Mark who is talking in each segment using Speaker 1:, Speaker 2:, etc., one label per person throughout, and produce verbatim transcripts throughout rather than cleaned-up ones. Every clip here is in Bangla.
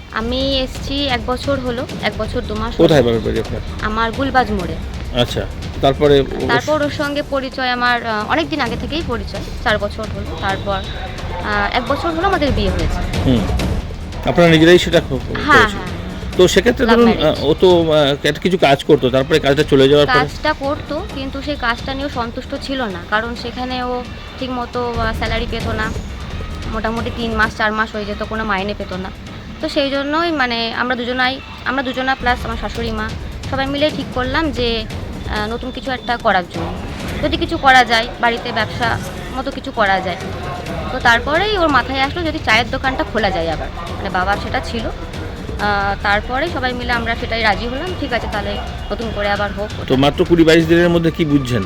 Speaker 1: আমি এসেছি এক বছর হলো, এক বছর দু মাস।
Speaker 2: কোথায় বাবার বাড়ি আপনার?
Speaker 1: আমার গুলবাজ মোড়ে।
Speaker 2: আচ্ছা, তারপরে
Speaker 1: তারপর ওর সঙ্গে পরিচয় আমার অনেক দিন আগে থেকেই পরিচয়, চার বছর হলো। তারপর এক বছর হলো আমাদের বিয়ে হয়েছে।
Speaker 2: হুম, আপনারা নিজেরাই সেটা
Speaker 1: হ্যাঁ হ্যাঁ।
Speaker 2: তো সেক্ষেত্রে ধরুন ও তো একটা কিছু কাজ করতো, তারপরে কাজটা চলে যাওয়ার পর
Speaker 1: কাজটা করতো, কিন্তু সেই কাজটা নিয়েও সন্তুষ্ট ছিল না, কারণ সেখানে ও ঠিক মতো স্যালারি পেত না। মোটামুটি তিন মাস চার মাস হয়ে যেত, কোনো মাইনে পেত না। তো সেই জন্যই মানে আমরা দুজনাই আমরা দুজনা প্লাস আমার শাশুড়ি মা সবাই মিলে ঠিক করলাম যে নতুন কিছু একটা করার জন্য, যদি কিছু করা যায়, বাড়িতে ব্যবসা মতো কিছু করা যায়। তো তারপরেই ওর মাথায় আসলো যদি চায়ের দোকানটা খোলা যায় আবার, মানে বাবার সেটা ছিল। তারপরে সবাই মিলে আমরা সেটাই রাজি হলাম, ঠিক আছে তাহলে নতুন করে আবার হোক।
Speaker 2: তো মাত্র কুড়ি বাইশ দিনের মধ্যে কি বুঝছেন?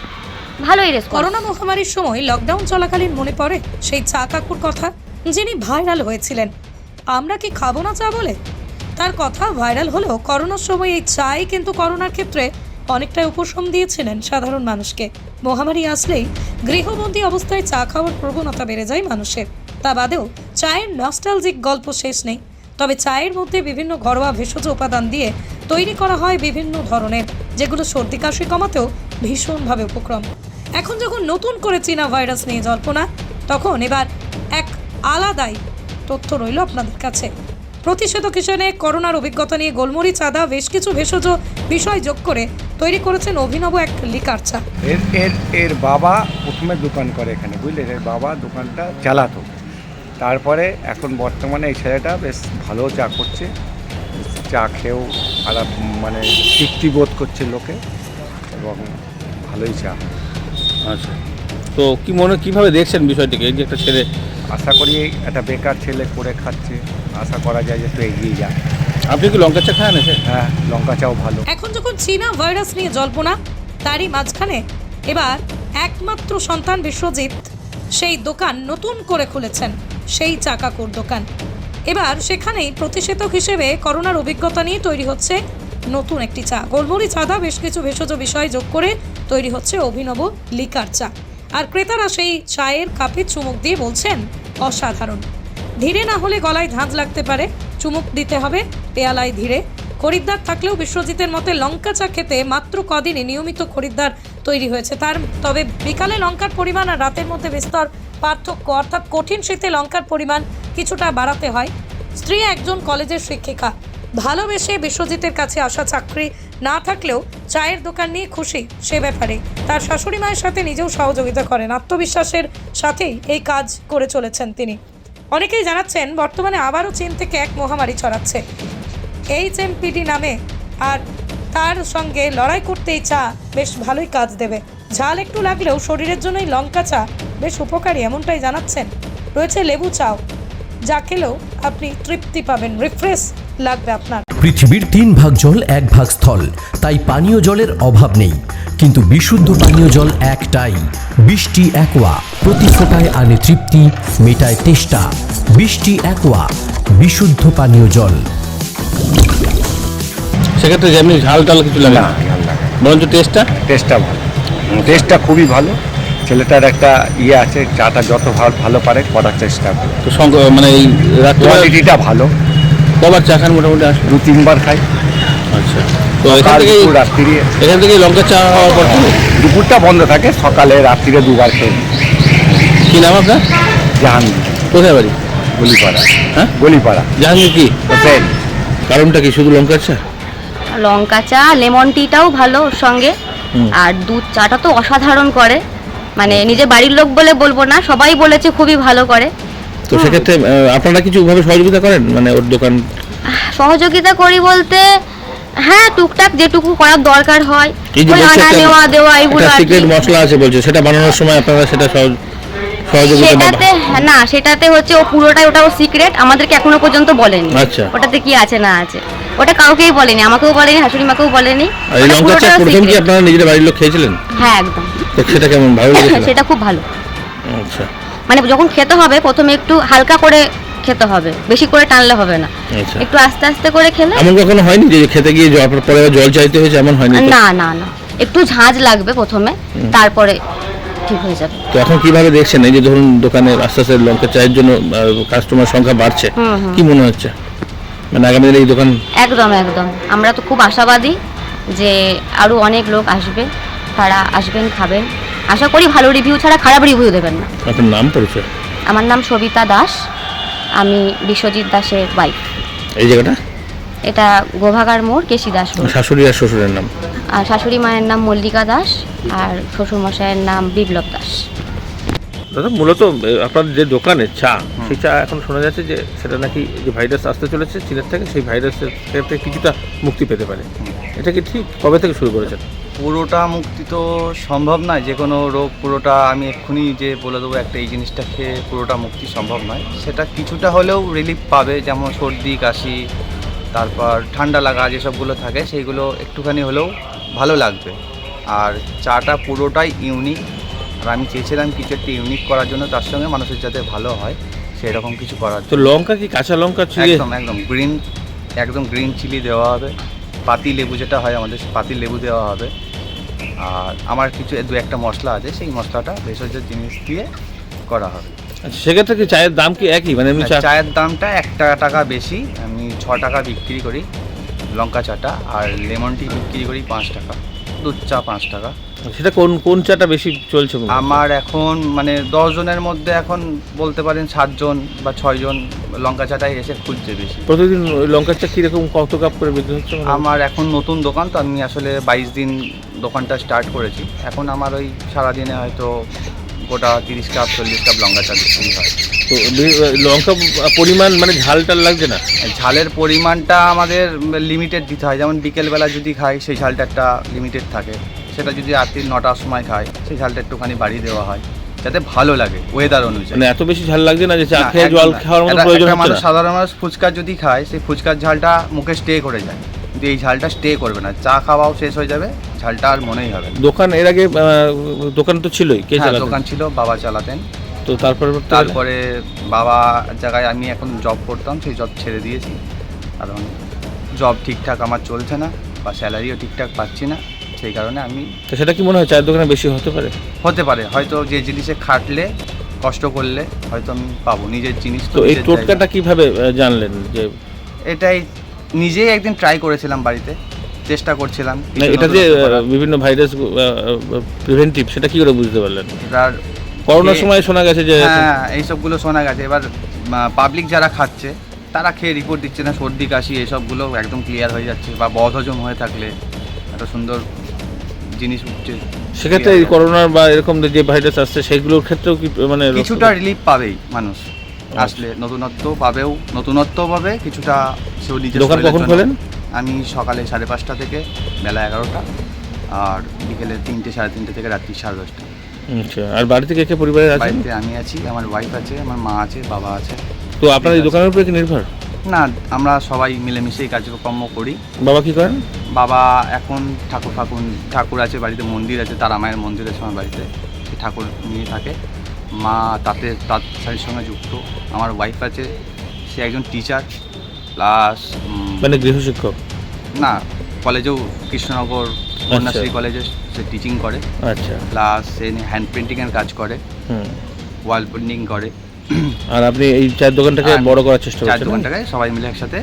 Speaker 1: ভালোই রেসপন্স।
Speaker 3: করোনা মহামারীর সময় লকডাউন চলাকালীন মনে পড়ে সেই চা কাকুর কথা, যিনি ভাইরাল হয়েছিলেন আমরা কি খাবো না চা বলে। তার কথা ভাইরাল হলেও করোনার সময় এই চাই কিন্তু করোনার ক্ষেত্রে অনেকটাই উপশম দিয়েছিলেন সাধারণ মানুষকে। মহামারী আসলেই গৃহবন্দী অবস্থায় চা খাওয়ার প্রবণতা বেড়ে যায় মানুষের। তা বাদেও চায়ের নস্টালজিক গল্প শেষ নেই। তবে চায়ের মধ্যে বিভিন্ন ঘরোয়া ভেষজ উপাদান দিয়ে তৈরি করা হয় বিভিন্ন ধরনের, যেগুলো সর্দি কাশি কমাতেও ভীষণভাবে উপক্রম। এখন যখন নতুন করে চীনা ভাইরাস নিয়ে জল্পনা, তখন এবার এক আলাদাই তথ্য রইল আপনাদের কাছে। প্রতিষেধক হিসেবে করোনার অভিজ্ঞতা নিয়ে গোলমরিচ, আদা, বেশ কিছু ভেষজ বিষয় যোগ করে তৈরি করেছেন অভিনব এক লিকার চা।
Speaker 4: এর এর এর বাবা প্রথমে দোকান করে এখানে, বুঝলেন, এর বাবা দোকানটা চালাতো। তারপরে এখন বর্তমানে এই ছেলেটা বেশ ভালো চা করছে, চা খেয়েও আলাপ মানে তৃপ্তি বোধ করছে লোকে, এবং ভালোই চা।
Speaker 2: আচ্ছা, তো কি মনে কীভাবে দেখছেন বিষয়টিকে, এই যে একটা ছেলে,
Speaker 4: আশা করি একটা বেকার ছেলে করে খাচ্ছে, আশা করা যায় যে একটু এগিয়ে যায়।
Speaker 2: আপনি কি লঙ্কা চা খান?
Speaker 4: হ্যাঁ, লঙ্কা চাও ভালো।
Speaker 3: এখন যখন চীনা ভাইরাস নিয়ে জল্পনা, তারই মাঝখানে এবার একমাত্র সন্তান বিশ্বজিৎ সেই দোকান নতুন করে খুলেছেন, সেই চা কাকুর দোকান। এবার সেখানেই প্রতিষেধক হিসেবে করোনার অভিজ্ঞতা নিয়ে তৈরি হচ্ছে নতুন একটি চা। গোলমরিচ, আদা, বেশ কিছু ভেষজ বিষয় যোগ করে তৈরি হচ্ছে অভিনব লিকার চা। আর ক্রেতারা সেই চায়ের কাপে চুমুক দিয়ে বলছেন অসাধারণ। ধীরে না হলে গলায় ধাঁধ লাগতে পারে, চুমুক দিতে হবে পেয়ালায় ধীরে। খরিদ্দার থাকলেও বিশ্বজিতের মতে লঙ্কা চা খেতে মাত্র কদিনে নিয়মিত খরিদ্দার তৈরি হয়েছে তার। তবে বিকালে লঙ্কার পরিমাণ আর রাতের মধ্যে বিস্তর পার্থক্য, অর্থাৎ কঠিন শীতে লঙ্কার পরিমাণ কিছুটা বাড়াতে হয়। স্ত্রী একজন কলেজের শিক্ষিকা, ভালোবেসে বিশ্বজিতের কাছে আসা, চাকরি না থাকলেও চায়ের দোকান নিয়ে খুশি সে ব্যাপারে। তার শাশুড়ি মায়ের সাথে নিজেও সহযোগিতা করেন, আত্মবিশ্বাসের সাথেই এই কাজ করে চলেছেন তিনি। অনেকেই জানাচ্ছেন বর্তমানে আবারও চীন থেকে এক মহামারী ছড়াচ্ছে এইচ এম পি ডি নামে, আর তার সঙ্গে লড়াই করতে এই চা বেশ ভালোই কাজ দেবে। ঝাল একটু লাগলেও শরীরের জন্য এই লঙ্কা চা বেশ উপকারী, এমনটাই জানাচ্ছেন। রয়েছে লেবু চাও, যা খেলেও আপনি তৃপ্তি পাবেন, রিফ্রেশ লাগবে আপনার।
Speaker 5: পৃথিবীর তিন ভাগ জল এক ভাগ স্থল, তাই পানীয় জলের অভাব নেই। কিন্তু বিশুদ্ধ পানীয় জল একটাই, বৃষ্টি অ্যাকোয়া। প্রতি ফোটায় আনে তৃপ্তি, মেটায় তেষ্টা। বৃষ্টি অ্যাকোয়া, বিশুদ্ধ পানীয় জল।
Speaker 2: সেক্ষেত্রে যেমনি ঝাল টাল কিছু লাগে না,
Speaker 4: ঝাল লাগে
Speaker 2: বরঞ্চ টেস্টটা
Speaker 4: টেস্টটা ভালো, টেস্টটা খুবই ভালো। ছেলেটার একটা ইয়ে আছে, চাটা যত ভালো ভালো পারে করার চেষ্টা করে।
Speaker 2: তো সঙ্গ মানে এই রাত্রে
Speaker 4: কোয়ালিটিটা ভালো।
Speaker 2: কবার চা খান মোটামুটি? আসে
Speaker 4: দু তিনবার খাই।
Speaker 2: আচ্ছা, তো এখান থেকেই
Speaker 4: রাত্রিরে
Speaker 2: এখান থেকেই লঙ্কা চা হওয়ার পর
Speaker 4: দুপুরটা বন্ধ থাকে, সকালে রাত্রিরে দুবার খেয়ে।
Speaker 2: কী নাম আপনার?
Speaker 4: জাহাঙ্গীর।
Speaker 2: কোথায় বাড়ি?
Speaker 4: গলিপাড়া।
Speaker 2: হ্যাঁ,
Speaker 4: গলিপাড়া।
Speaker 2: জাহাঙ্গীর কি
Speaker 4: হোসেন।
Speaker 2: কারণটা কি শুধু লঙ্কা চা?
Speaker 1: লঙ্কা চা, লেমন টিটাও ভালো ওর সঙ্গে, আর দুধ চাটা তো অসাধারণ করে। মানে নিজের বাড়ির লোক বলে বলবো না, সবাই বলেছে খুবই ভালো করে।
Speaker 2: তো সেক্ষেত্রে আপনারা কিছু ভাবে সহযোগিতা করেন, মানে ওর দোকান?
Speaker 1: সহযোগিতা করি বলতে হ্যাঁ, টুকটাক যেটুকু করার দরকার হয়,
Speaker 2: এই যে
Speaker 1: ওই
Speaker 2: বলছে
Speaker 1: আনা
Speaker 2: একটা-
Speaker 1: নেওয়া দেওয়া এগুলো
Speaker 2: একটা
Speaker 1: আর কি।
Speaker 2: সিক্রেট মশলা আছে বলছে, সেটা বানানোর সময় আপনারা সেটা সহজ- সহযোগিতা বা-
Speaker 1: সেটাতে না, সেটাতে হচ্ছে ও পুরোটাই ওটা ও সিক্রেট, আমাদেরকে এখনো পর্যন্ত বলেনি।
Speaker 2: আচ্ছা।
Speaker 1: ওটাতে কি আছে না আছে ওটা কাউকেই বলেনি, আমাকেও বলেনি, শাশুড়ি মাকেও বলেনি।
Speaker 2: আর এই
Speaker 1: ওটা
Speaker 2: লঙ্কা চা
Speaker 1: পুরোটা
Speaker 2: প্রথম কি
Speaker 1: secret।
Speaker 2: আপনারা নিজের বাড়ির লোক খেয়েছিলেন?
Speaker 1: হ্যাঁ একদম।
Speaker 2: তো সেটা কেমন, ভালো লেগেছিল?
Speaker 1: সেটা খুব ভালো।
Speaker 2: আচ্ছা
Speaker 1: মানে যখন খেতে হবে প্রথমে একটু হালকা করে খেতে হবে, বেশি করে টানলে হবে না,
Speaker 2: আচ্ছা।
Speaker 1: একটু আস্তে আস্তে করে খেলে।
Speaker 2: এমন কখনো হয়নি যে খেতে গিয়ে জল পরে আবার জল চাইতে হয়েছে, এমন হয়নি তো?
Speaker 1: না না না, একটু ঝাঁঝ লাগবে প্রথমে, তারপরে ঠিক হয়ে যাবে।
Speaker 2: তো এখন কিভাবে দেখছেন এই যে ধরুন দোকানে আস্তে আস্তে লঙ্কা চায়ের জন্য কাস্টমার সংখ্যা বাড়ছে,
Speaker 1: হুম, হুম।
Speaker 2: কি মনে হচ্ছে? মানে আগামী দিনে এই দোকান
Speaker 1: একদম একদম আমরা তো খুব আশাবাদী যে আরও অনেক লোক আসবে, তারা আসবেন, খাবেন। আশা করি ভালো রিভিউ ছাড়া খারাপ রিভিউ দেবেন না।
Speaker 2: আপনার নাম পরিচয়?
Speaker 1: আমার নাম সবিতা দাস, আমি বিশ্বজিৎ দাসের ওয়াইফ।
Speaker 2: এই জায়গাটা
Speaker 1: এটা গোভাগার মোড়, কেশি দাস রোড।
Speaker 2: শাশুড়ি আর শ্বশুরের নাম?
Speaker 1: আর শাশুড়ি মায়ের নাম মল্লিকা দাস আর শ্বশুর মশাইয়ের নাম বিপ্লব দাস।
Speaker 2: দাদা মূলত এ, আপনার যে দোকানে চা, সেই চা এখন শোনা যাচ্ছে যে সেটা নাকি যে ভাইরাস আসতে চলেছে চীনের থেকে, সেই ভাইরাসের থেকে কিছুটা মুক্তি পেতে পারে। এটা কি ঠিক? কবে থেকে শুরু করেছেন?
Speaker 6: পুরোটা মুক্তি তো সম্ভব নয়, যে কোনো রোগ পুরোটা আমি এক্ষুনি যে বলে দেবো একটা এই জিনিসটা খেয়ে পুরোটা মুক্তি সম্ভব নয়। সেটা কিছুটা হলেও রিলিফ পাবে, যেমন সর্দি কাশি, তারপর ঠান্ডা লাগা যেসবগুলো থাকে সেইগুলো একটুখানি হলেও ভালো লাগবে। আর চাটা পুরোটাই ইউনিক, আর আমি চেয়েছিলাম কিছু একটা ইউনিক করার জন্য, তার সঙ্গে মানুষের যাতে ভালো হয় সেই রকম কিছু করার
Speaker 2: তো
Speaker 6: জন্য।
Speaker 2: লঙ্কা কি কাঁচা লঙ্কা ছিঁড়ে?
Speaker 6: একদম একদম গ্রিন, একদম গ্রিন চিলি দেওয়া হবে, পাতি লেবু যেটা হয় আমাদের, পাতি লেবু দেওয়া হবে। আর আমার কিছু দু একটা মশলা আছে, সেই মশলাটা ভেষজ জিনিস দিয়ে করা হবে।
Speaker 2: আচ্ছা, সেক্ষেত্রে কি চায়ের দাম কি একই? মানে এমনি চা
Speaker 6: চায়ের দামটা এক টাকা টাকা বেশি, আমি ছ টাকা বিক্রি করি লঙ্কা চাটা, আর লেমন টি বিক্রি করি পাঁচ টাকা, দুধ চা পাঁচ টাকা।
Speaker 2: সেটা কোন কোন চাটা বেশি চলছে?
Speaker 6: আমার এখন মানে দশ জনের মধ্যে এখন বলতে পারেন সাতজন বা ছয়জন লঙ্কা চাটাই এসে খুঁজছে বেশি।
Speaker 2: প্রতিদিন ওই লঙ্কার চা কিরকম কত কাপ করে বিক্রি হচ্ছে?
Speaker 6: আমার এখন নতুন দোকান তো, আমি আসলে বাইশ দিন দোকানটা স্টার্ট করেছি। এখন আমার ওই সারাদিনে হয়তো গোটা তিরিশ কাপ চল্লিশ কাপ লঙ্কা চা বিক্রি হয়।
Speaker 2: তো বি- লঙ্কা পরিমাণ মানে ঝাল টাল লাগছে না?
Speaker 6: ঝালের পরিমাণটা আমাদের লিমিটেড দিতে হয়, যেমন বিকেলবেলা যদি খাই সেই ঝালটা একটা লিমিটেড থাকে, সেটা যদি রাত্রি নটার সময় খাই সেই ঝালটা একটুখানি বাড়িয়ে দেওয়া হয় যাতে ভালো লাগে ওয়েদার অনুযায়ী।
Speaker 2: মানে এত বেশি ঝাল লাগছে না যে চা
Speaker 6: না,
Speaker 2: খেয়ে
Speaker 6: একদম
Speaker 2: জল
Speaker 6: না।
Speaker 2: খাওয়ার মতো
Speaker 6: একটা-
Speaker 2: প্রয়োজন
Speaker 6: একটা
Speaker 2: হচ্ছে
Speaker 6: মানুষ,
Speaker 2: না?
Speaker 6: সাধারণ মানুষ ফুচকা যদি খায় সেই ফুচকার ঝালটা মুখে স্টে করে যায়, কিন্তু এই ঝালটা স্টে করবে না, চা খাওয়াও শেষ হয়ে যাবে, ঝালটা আর মনেই হবে না।
Speaker 2: দোকান এর আগে আহ, দোকান তো ছিলই, কে
Speaker 6: হ্যাঁ,
Speaker 2: চালাতেন?
Speaker 6: দোকান ছিল, বাবা চালাতেন।
Speaker 2: তো তারপরে
Speaker 6: তারপরে বাবা জায়গায় আমি এখন জব করতাম, সেই জব ছেড়ে দিয়েছি, কারণ জব ঠিকঠাক আমার চলছে না বা স্যালারিও ঠিকঠাক পাচ্ছি না, সেই কারণে আমি।
Speaker 2: তো সেটা কি মনে হয় চায়ের দোকানে বেশি হতে পারে?
Speaker 6: হতে পারে, হয়তো যে জিনিসে খাটলে কষ্ট করলে হয়তো আমি পাবো নিজের জিনিস।
Speaker 2: তো এই
Speaker 6: নিজের
Speaker 2: টোটকাটা
Speaker 6: জায়গা।
Speaker 2: কিভাবে আহ, জানলেন যে
Speaker 6: এটাই নিজেই একদিন ট্রাই করেছিলাম বাড়িতে, চেষ্টা করছিলাম
Speaker 2: না,
Speaker 6: কিছু
Speaker 2: এটা যে
Speaker 6: নতুনত্ব
Speaker 2: আহ,
Speaker 6: করার।
Speaker 2: বিভিন্ন ভাইরাস প্রিভেন্টিভ, সেটা কি করে বুঝতে পারলেন?
Speaker 6: এবার
Speaker 2: করোনার
Speaker 6: এ-
Speaker 2: সময় শোনা গেছে যে
Speaker 6: হ্যাঁ, এইসবগুলো শোনা গেছে। এবার পাবলিক যারা খাচ্ছে তারা খেয়ে রিপোর্ট দিচ্ছে না, সর্দি কাশি এসবগুলো একদম ক্লিয়ার হয়ে যাচ্ছে, বা বদহজম হয়ে থাকলে একটা সুন্দর জিনিস উঠছে।
Speaker 2: সেক্ষেত্রে এই করোনার বা এরকম যে ভাইরাস আসছে সেগুলোর ক্ষেত্রেও কি মানে
Speaker 6: কিছুটা রিলিফ পাবেই মানুষ আসলে, নতুনত্ব পাবেও, নতুনত্ব পাবে কিছুটা। সেও নিজের
Speaker 2: দোকান
Speaker 6: শরীরের
Speaker 2: কখন
Speaker 6: জন্য-
Speaker 2: খোলেন?
Speaker 6: আমি সকালে সাড়ে পাঁচটা থেকে বেলা এগারোটা, আর বিকেলে তিনটে সাড়ে তিনটে থেকে রাত্রি সাড়ে দশটা।
Speaker 2: আচ্ছা, আর বাড়ি থেকে কে পরিবারের আছেন?
Speaker 6: বাড়িতে আমি আছি, আমার ওয়াইফ আছে, আমার মা আছে, বাবা আছে।
Speaker 2: তো আপনার এই দোকানের উপরে কি নির্ভর?
Speaker 6: না, আমরা সবাই মিলেমিশেই কার্যক্রম করি।
Speaker 2: বাবা কি করেন?
Speaker 6: বাবা এখন ঠাকুর ফাকুন ঠাকুর আছে বাড়িতে, মন্দির আছে, তারা মায়ের মন্দির আছে আমার বাড়িতে, সে ঠাকুর নিয়ে থাকে। মা তাতে তাঁত শাড়ির সঙ্গে যুক্ত। আমার ওয়াইফ আছে, সে একজন টিচার প্লাস
Speaker 2: মানে গৃহশিক্ষক?
Speaker 6: না, কলেজেও কৃষ্ণনগর কন্যাশ্রী কলেজে সে টিচিং করে,
Speaker 2: আচ্ছা,
Speaker 6: প্লাস সে হ্যান্ড পেন্টিংয়ের কাজ করে,
Speaker 2: হুম।
Speaker 6: ওয়াল পেন্টিং করে।
Speaker 2: আর আপনি এই চায়ের দোকানটাকে
Speaker 6: আর
Speaker 2: বড় করার চেষ্টা
Speaker 6: চার
Speaker 2: করছেন?
Speaker 6: দোকানটাকে সবাই মিলে একসাথে।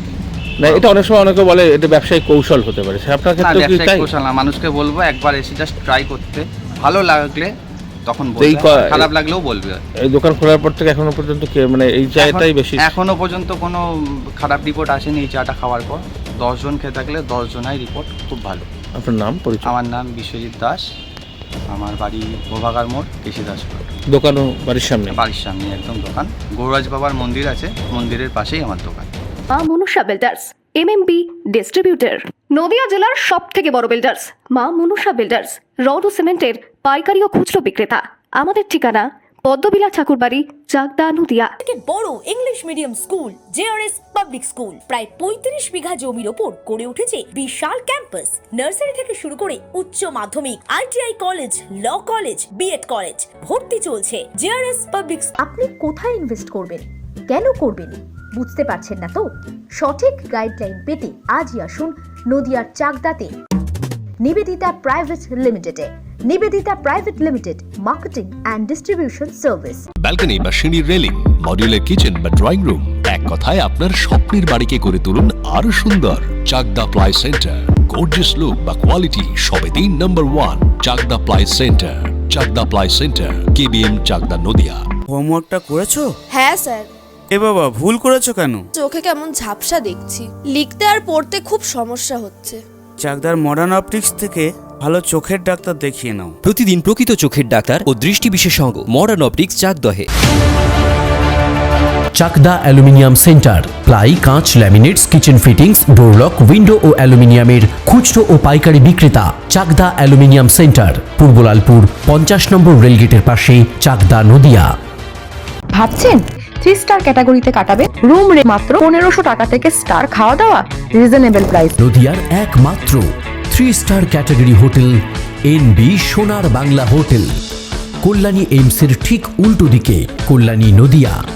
Speaker 2: না, এটা অনেক সময় অনেকে বলে এটা ব্যবসায়িক কৌশল হতে পারে, সে আপনার
Speaker 6: না,
Speaker 2: ক্ষেত্রে কি
Speaker 6: ব্যবসায়িক
Speaker 2: তাই?
Speaker 6: কৌশল না, মানুষকে বলবো একবার এসে জাস্ট ট্রাই করতে, ভালো লাগলে তখন
Speaker 2: তো এই
Speaker 6: বলবে,
Speaker 2: ক-
Speaker 6: খারাপ লাগলেও বলবে।
Speaker 2: এই দোকান খোলার পর থেকে এখনো পর্যন্ত কে মানে এই চায়টাই বেশি?
Speaker 6: এখন- এখনো পর্যন্ত কোনো খারাপ রিপোর্ট আসেনি এই চাটা খাওয়ার পর। দশজন খেয়ে থাকলে দশ জনাই রিপোর্ট খুব ভালো।
Speaker 2: আপনার নাম পরিচয়?
Speaker 6: আমার নাম বিশ্বজিৎ দাস, আমার বাড়ি গোভাগার মোড়, কেশি দাস রোড।
Speaker 2: দোকানও বাড়ির সামনে?
Speaker 6: বাড়ির সামনে একদম দোকান, গৌরাজ বাবার মন্দির আছে, মন্দিরের পাশেই আমার দোকান।
Speaker 7: মা মনুষা বিল্ডার্স এমএমবি ডিস্ট্রিবিউটর, নদিয়া জেলার সব থেকে বড় বিল্ডার্স মা মনুষা বিল্ডার্স, রড ও সিমেন্টের পাইকারি ও খুচরো বিক্রেতা। আমাদের ঠিকানা পদ্মবিলা ঠাকুরবাড়ি, চাকদা, নদিয়া।
Speaker 8: থেকে বড় English medium school JRS public school প্রায় পঁয়ত্রিশ বিঘা জমির ওপর গড়ে উঠেছে বিশাল ক্যাম্পাস। নার্সারি থেকে শুরু করে উচ্চ মাধ্যমিক, ITI college, law college, BEd college, ভর্তি চলছে। JRS public.
Speaker 9: আপনি কোথায় ইনভেস্ট করবেন, কেন করবেন বুঝতে পারছেন না তো? সঠিক গাইডলাইন পেতে আজই আসুন নদিয়ার চাকদাতে নিবেদিতা প্রাইভেট লিমিটেডে। Nivedita private limited, marketing and distribution service.
Speaker 10: Balcony বা সিঁড়ির রেলিং, মডিউলার কিচেন বা ড্রয়িং রুম, এক কথায় আপনার স্বপ্নের বাড়িকে করে তুলুন আরো সুন্দর। Chakdaha ply centre, gorgeous look বা কোয়ালিটি সবে তিন number one. Chakdaha ply centre, Chakdaha ply centre, KBM Chakdaha Nadia.
Speaker 11: হোমওয়ার্কটা করেছো?
Speaker 12: হ্যাঁ স্যার।
Speaker 11: এ বাবা, ভুল করেছো কেন?
Speaker 12: চোখে কেমন ঝাপসা দেখছি, লিখতে আর পড়তে খুব সমস্যা হচ্ছে।
Speaker 11: চাকদার মডার্ন অপটিক্স থেকে ভালো চোখের ডাক্তার দেখিয়ে নাও।
Speaker 5: প্রতিদিন প্রকৃত চোখের ডাক্তার ও দৃষ্টি বিশেষজ্ঞ মডার্ন অপটিক্স চাকদহে। চাকদা অ্যালুমিনিয়াম সেন্টার, প্লাই, কাঁচ, laminates, kitchen fittings, door lock, window ও অ্যালুমিনিয়ামের খুচরো ও পাইকারি বিক্রেতা। চাকদা অ্যালুমিনিয়াম সেন্টার, পূর্ব লালপুর, পঞ্চাশ নম্বর রেলগেটের পাশে, চাকদা নদিয়া।
Speaker 7: ভাবছেন থ্রি স্টার ক্যাটাগরিতে কাটাবেন? রুম রে মাত্র পনেরোশো টাকা থেকে স্টার, খাওয়া দাওয়া রিজনেবল প্রাইস।
Speaker 5: নদিয়ার একমাত্র three star category hotel N B Sonar Bangla hotel, Kalyani এইমসের ঠিক উল্টো দিকে, কল্যাণী নদিয়া।